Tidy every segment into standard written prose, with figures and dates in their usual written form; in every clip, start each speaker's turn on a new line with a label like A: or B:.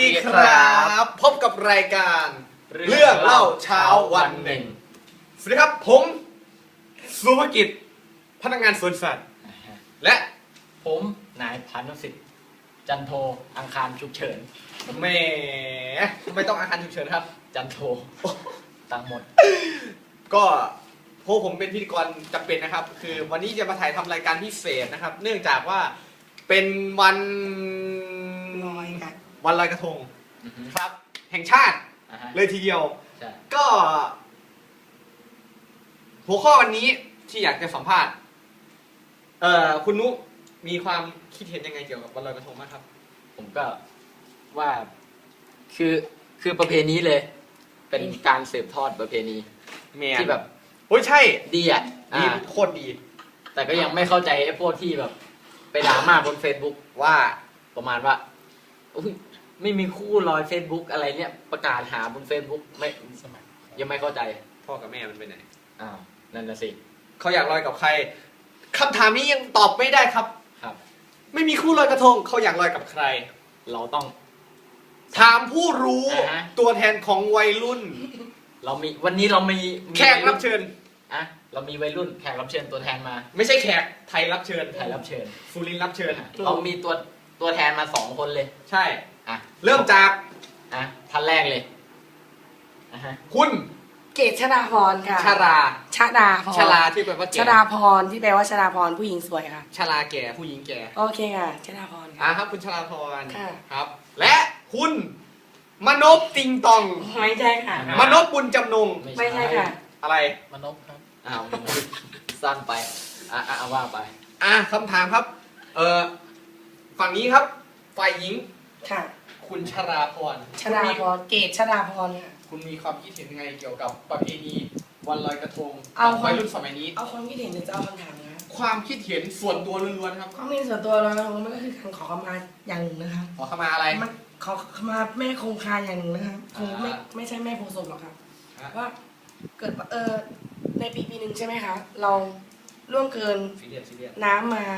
A: ดีครับพบกับรายการเรื่องเล่าเช้าวันหนึ่งสวัสดีครับผมสุภกิจพนักงานสวนสัตว์และ
B: ผมนายพานุสิทธิ์จันโทอังคารฉุกเฉิน
A: แหมทำไมต้องอาคารฉุกเฉินครับ
B: จันโทตังหมด
A: ก็พวกผมเป็นพิธีกรจำเป็นนะครับ คือวันนี้จะมาถ่ายทำรายการพิเศษนะครับ เนื่องจากว่าเป็นวันลอยกระทงครับ แห่งชาติเลยทีเดียวก็หัวข้อวันนี้ที่อยากจะสัมภาษณ์คุณนุมีความคิดเห็นยังไงเกี่ยวกับวันลอยกระทงบ้างครับ
B: ผมก็ว่าคือประเพณีเลย เป็นการสืบทอดประเพณีที่แบบ
A: โอ้ยใช่
B: ดีอ่ะ
A: ดีโคตรดี
B: แต่ก็ยังไม่เข้าใจไอ้พวกที่แบบไปด่ามาบน Facebook ว่าประมาณว่าไม่มีคู่ลอย Facebook อะไรเนี่ยประกาศหาบน Facebook ไม่ยังไม่เข้าใจ
A: พ่อกับแม่มันไปไหน
B: นั่นน่ะสิ
A: เขาอยากลอยกับใครคำถามนี้ยังตอบไม่ได้ครับไม่มีคู่ลอยกระทงเขาอยากลอยกับใคร
B: เราต้อง
A: ถามผู้รู้ตัวแทนของวัยรุ่น
B: วันนี้เรามี
A: แขกรับเชิญ
B: เรามีวัยรุ่นแขกรับเชิญตัวแทนมา
A: ไม่ใช่แขกไทยรับเชิญสุรินทร์รับเชิญ
B: เรามีตัวแทนมา2 คนเลย
A: ใช่เริ่มจาก
B: ท่านแรกเลย
A: คุณ
C: เกศชดาพรค่ะ
A: ชรา
C: ชรา
A: ที่แปลว่าแก่
C: ชดาพรที่แปลว่าชดาพรผู้หญิงสวยค่ะ
A: ชราแก่ผู้หญิงแก่
C: โอเคค่ะชดาพร
A: ครับคุณชราพรครับและคุณมนพติงตอง
C: ไม่ใช่ค่ะ
A: มนพบุญจำนง
C: ไม่ใช่ค่ะ
A: อะไร
B: มนพครับสั้นไปว่าไป
A: คำถามครับฝั่งนี้ครับฝ่ายหญิง
C: ค่ะ
A: คุณชราพร
C: เกศชดาพรค่ะ
A: คุณมีความคิดเห็นยังไงเกี่ยวกับประเพณีวันลอยกระทงวัยรุ่นสมัยนี้
C: เอาความคิดเห็นหรือจะเอาคำถามนะ
A: ความคิดเห็นส่วนตัวล้วนๆครับ
C: ความคิดเห็นส่วนตัวเรามันก็คือการขอขมาอย่างหนึ่งนะคะ
A: ขอขมาอะไร
C: มันขอขมาแม่คงคาอย่างหนึ่งนะครับคงไม่ใช่แม่โพธิ์ศพหรอกครับว่าเกิดในปีหนึ่งใช่ไหมคะเราล่วงเกินน้ำมา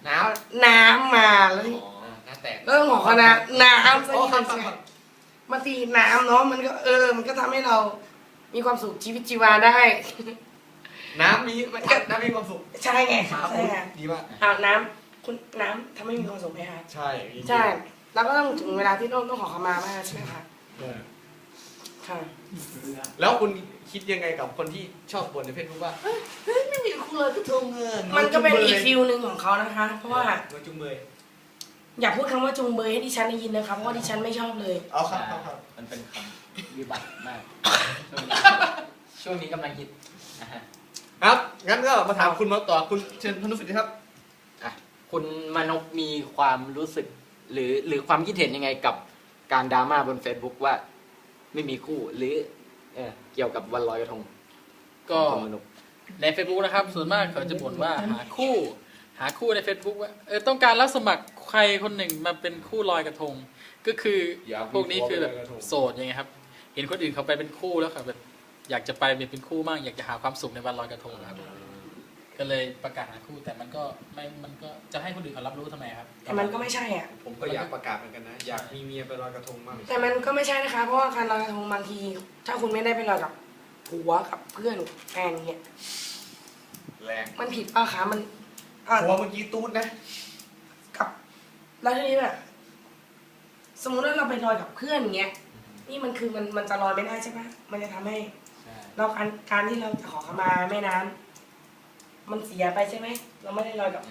C: แล้วเรื่องของคณะน้ำซะนี่บางทีน้ำเนาะมันก็มันก็ทำให้เรามีความสุขชีวิตชีวาได้
A: น้ำมีความสุข
C: ใช่ไงใช่ไง
A: ดีมาก
C: น้ำคุณน้ำทำให้มีความสุขไหมคะ
A: ใช่
C: แล้วก็ต้องถึงเวลาที่ต้องขอขมามากใช่ไหมคะค่ะ
A: แล้วคุณคิดยังไงกับคนที่ชอบบ่นในเฟซบุ๊กว่าไม่มีคู่เลยก็ทงเงิน
C: มันก็เป็นอีกฟิลหนึ่งของเขานะคะเพราะว่า
A: จุงเบย
C: อย่าพูดคำว่าจุงเบยให้ดิฉันได้ยินนะคะเพราะว่าดิฉันไม่ชอบเลย
A: ครับ
B: มันเป็นคำวิบัติมากช่วงนี้กำลังฮิต
A: ครับงั้นก็มาถามคุณมาต่อคุณเชิญพนุสิทธิ์ครับ
B: คุณมนพมีความรู้สึกหรือความคิดเห็นยังไงกับการดราม่าบน Facebook ว่าไม่มีคู่หรือเกี่ยวกับวันลอยกระทง
D: ก็ใน Facebook นะครับส่วนมากเขาจะบ่นว่าหาคู่ใน Facebook ว่าต้องการรับสมัครใครคนหนึ่งมาเป็นคู่ลอยกระทงก็คือพวกนี้คือแบบโสดยังไงครับเห็นคนอื่นเขาไปเป็นคู่แล้วแบบอยากจะไปเป็นคู่มากอยากจะหาความสุขในวันลอยกระทงครับก็เลยประกาศหาคู่แต่มันก็จะให้คนอื่นเขารับรู้ทำไมครับ
C: แต่มันก็ไม่ใช่
A: ผมก็อยากประกาศเหมือนกันนะอยากมีเมียไปลอยกระทงมาก
C: แต่มันก็ไม่ใช่นะคะเพราะว่าการลอยกระทงบางทีถ้าคุณไม่ได้ไปลอยกับผัวกับเพื่อนแฟนเนี่ย
A: แรง
C: มันผิดป่ะคะมัน
A: ผัวเมื่อกี้ตูดนะ
C: กับแล้วทีนี้แบบสมมุติว่าเราไปลอยกับเพื่อนเงี้ยนี่มันคือมันจะลอยไม่ได้ใช่ปะมันจะทำให้เราการที่เราจะขอขมาแม่น้ำมันเสียไปใช่ไหมเราไม่ได้ลอยกับ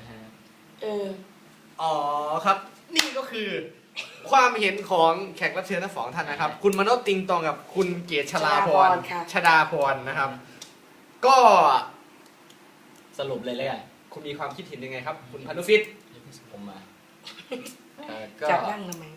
A: ครับนี่ก็คือความเห็นของแขกรับเชิญทั้ง2 ท่านนะครับคุณมนพติงตองกับคุณเกศชลาพรชดาพรนะครับก็
B: สรุปเลยเลย
A: คุณมีความคิดเห็นยังไงครับคุณพนุสิทธิ์
B: ผมมา
C: จับนั่งทำไม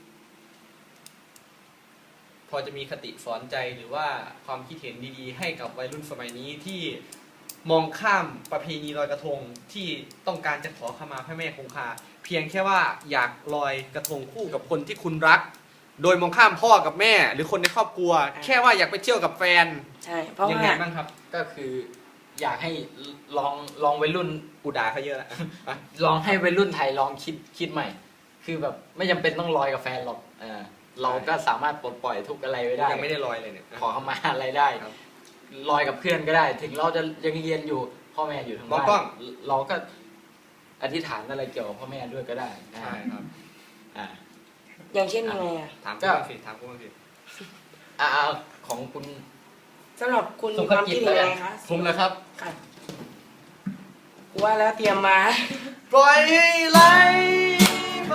A: พอจะมีคติสอนใจหรือว่าความคิดเห็นดีๆให้กับวัยรุ่นสมัยนี้ที่มองข้ามประเพณีลอยกระทงที่ต้องการจะขอขมาพระแม่คงคาเพียงแค่ว่าอยากลอยกระทงคู่กับคนที่คุณรักโดยมองข้ามพ่อกับแม่หรือคนในครอบครัวแค่ว่าอยากไปเที่ยวกับแฟน
C: ใช่เพราะ
A: ยังไงบ้างครับ
B: ก็คืออยากให้ลองวัยรุ่น
A: กูด่าเขาเยอะแล้ว
B: ลองให้วัยรุ่นไทยลองคิดใหม่คือแบบไม่จำเป็นต้องลอยกับแฟนหรอกเราก็สามารถปลดปล่อยทุกข์อะไรไว้ได้
A: ยังไม่ได้ลอยเลยเนี่ย
B: ขอเข้ามาอะไรได้
A: ครับ
B: ลอยกับเพื่อนก็ได้ ถึงเราจะยังเรียนอยู่พ่อแม่อยู่ทาง
A: มอง
B: บ้าน
A: กล้อง
B: เราก็อธิษฐานอะไรเกี่ยวกับพ่อแม่ด้วยก็ได้
A: ใช่ครับ
B: อ่า
C: อย่างเช่นยังไงอะ
A: ถามกูบ้างสิถามกูบ้างสิ
B: อ่าของคุณ
C: สำหรับคุณ
B: สุ
C: มี
B: ภ
C: ความ
B: กิจ
C: คิดยังไงคะ
A: ผมเลยครับ
C: ค่ะกูว่าแล้วเตรียมมา
A: ปล่อยให้ไหลไป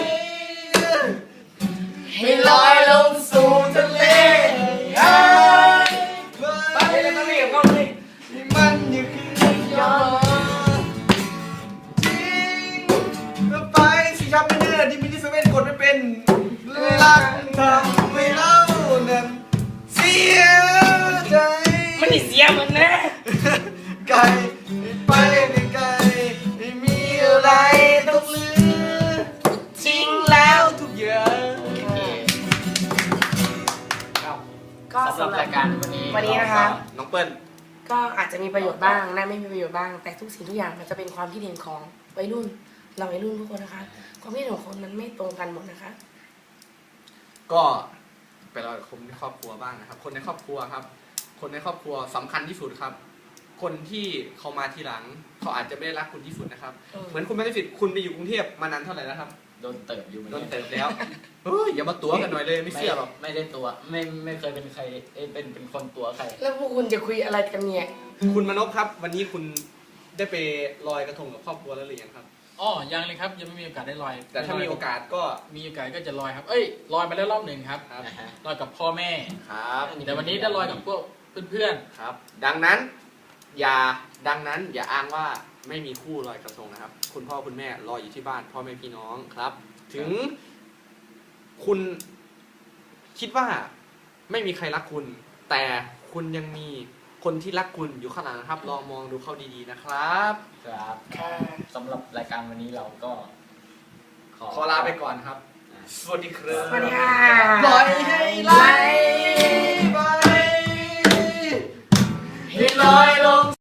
A: ให้ลอยลงสู่ทะเลหายไป
C: ไปเลยต้องเรียกกล้องเลย
A: ให้มันอย่าคืนย้อนทิ้งไปสิครับไม่เนื้อที่มินิเซเว่นกดไม่เป็นรักทำให้เรานั้นเสียใจ
C: มันนี่เสียเหมือนนะ
A: ไกลไปไกลไม่มีอะไรต้องเหลือทิ้งแล้วทุกอย่าง
C: ก็
B: สำหรับรายการวันนี้
C: วันนี้นะคะ
A: น้องเปิ้ล
C: ก็อาจจะมีประโยชน์บ้างนะไม่มีประโยชน์บ้าง แต่ทุกสิ่งทุกอย่างมันจะเป็นความคิดเห็นของวัยรุ่น เราวัยรุ่นทุกคนนะคะ ความคิดเห็นของคนมันไม่ตรงกันหมดนะคะ
A: ก็ไปรอกับคนในครอบครัวบ้างนะครับ คนในครอบครัวครับ คนในครอบครัวสำคัญที่สุดครับ คนที่เขามาทีหลัง เขาอาจจะไม่ได้รักคุณที่สุดนะครับ เหมือนคุณไม่ได้สิทธิ์คุณไปอยู่กรุงเทพมานานเท่าไหร่แล้วครับ
B: โดนเติบอยู่เหมือน
A: โด
B: กัน น
A: เติบแล้วเฮ้ยอย่ามาตัวกันหน่อยเลยไม่เชื่อหรอก
B: ไม่ได้ตัวไม่เคยเป็นใครเป็นคนตัวใคร
C: แล้วพวกคุณจะคุยอะไรกันเนี่ย
A: คุณมนพครับ วันนี้คุณได้ไปลอยกระทงกับครอบครัวแล้วหรือยังครับ
D: อ๋อยังเลยครับยังไม่มีโอกาสได้ลอย
A: แต่ถ้ามีโอกาสก็
D: มีโอกาสก็จะลอยครับ เอ้ยลอยมาแล้วรอบหนึ่งครับ
A: ครับ
B: นะฮะ
D: ลอยกับพ่อแม่
A: ครับ
D: แต่วันนี้ได้ลอยกับพวกเพื่อน
A: ครับ ดังนั้นอย่าอ้างว่าไม่มีคู่ลอยกระทงนะครับ คุณพ่อคุณแม่รออยู่ที่บ้านพ่อแม่พี่น้องครับ ถึงคุณคิดว่าไม่มีใครรักคุณ แต่คุณยังมีคนที่รักคุณอยู่ข้างหลังนะครับ ลองมองดูเขาดีๆนะครับ
B: ครับ
C: ค่ะ
B: สำหรับรายการวันนี้เราก็
A: ขอลาไปก่อนครับ สวัสดีครับ
C: สวัสดีค่ะ
A: ปล่อยให้